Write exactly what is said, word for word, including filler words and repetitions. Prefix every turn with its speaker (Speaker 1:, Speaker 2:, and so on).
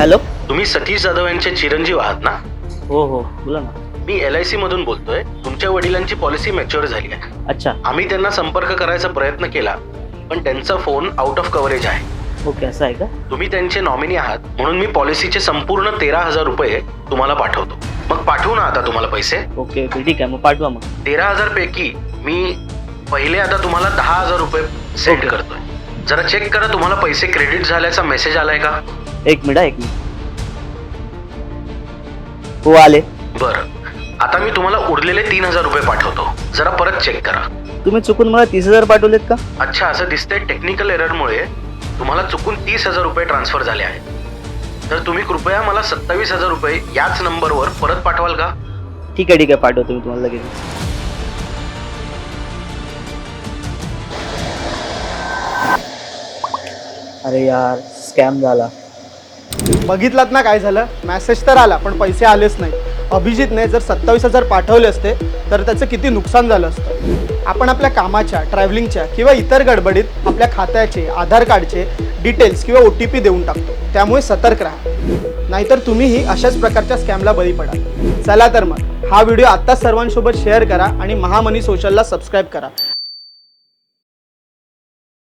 Speaker 1: Hello.
Speaker 2: तुम्ही सतीश जाधव यांचे चिरंजीव आहात ना?
Speaker 1: हो हो बोला ना.
Speaker 2: मी एल आय सी मधून बोलतोय. तुमच्या वडिलांची पॉलिसी मॅच्युअर झाली आहे.
Speaker 1: अच्छा.
Speaker 2: आम्ही त्यांना संपर्क करायचा प्रयत्न केला, पण त्यांचा फोन आउट ऑफ कव्हरेज आहे.
Speaker 1: ओके, असं आहे का?
Speaker 2: तुम्ही त्यांचे नॉमिनी आहात, म्हणून मी पॉलिसीचे संपूर्ण तेरा हजार रुपये तुम्हाला पाठवतो. मग पाठवू ना आता तुम्हाला पैसे?
Speaker 1: ओके ओके ठीक आहे, मग पाठवा. मग
Speaker 2: तेरा हजार पैकी मी पहिले आता तुम्हाला दहा हजार रुपये सेंड करतोय. जरा चेक करा तुम्हाला पैसे क्रेडिट झाल्याचा मेसेज आलाय का?
Speaker 1: एक मिनिट एक मिनिट हो आले.
Speaker 2: बरं, आता मी तुम्हाला उरलेले तीन हजार रुपये पाठवतो. जरा परत चेक करा.
Speaker 1: तुम्ही चुकून मला तीस हजार पाठवलेत का?
Speaker 2: अच्छा, असं दिसतंय टेक्निकल एररमुळे तुम्हाला चुकून तीस हजार रुपये ट्रान्सफर झाले आहेत. तर तुम्ही कृपया मला सत्तावीस हजार रुपये याच नंबरवर परत पाठवाल का?
Speaker 1: ठीक आहे ठीक आहे, पाठवतो मी तुम्हाला लगेच. अरे यार, स्कॅम झाला.
Speaker 3: बघितलात ना काय झालं? मेसेज तर आला पण पैसे आलेच नाही. अभिजितने जर सत्तावीस हजार पाठवले असते तर त्याचं किती नुकसान झालं असतं. आपण आपल्या कामाच्या, ट्रॅव्हलिंगच्या किंवा इतर गडबडीत आपल्या खात्याचे, आधार कार्डचे डिटेल्स किंवा ओ टी पी देऊन टाकतो. त्यामुळे सतर्क राहा, नाहीतर तुम्हीही अशाच प्रकारच्या स्कॅमला बळी पडाल. चला तर मग हा व्हिडिओ आत्ताच सर्वांसोबत शेअर करा आणि महामनी सोशलला सबस्क्राईब करा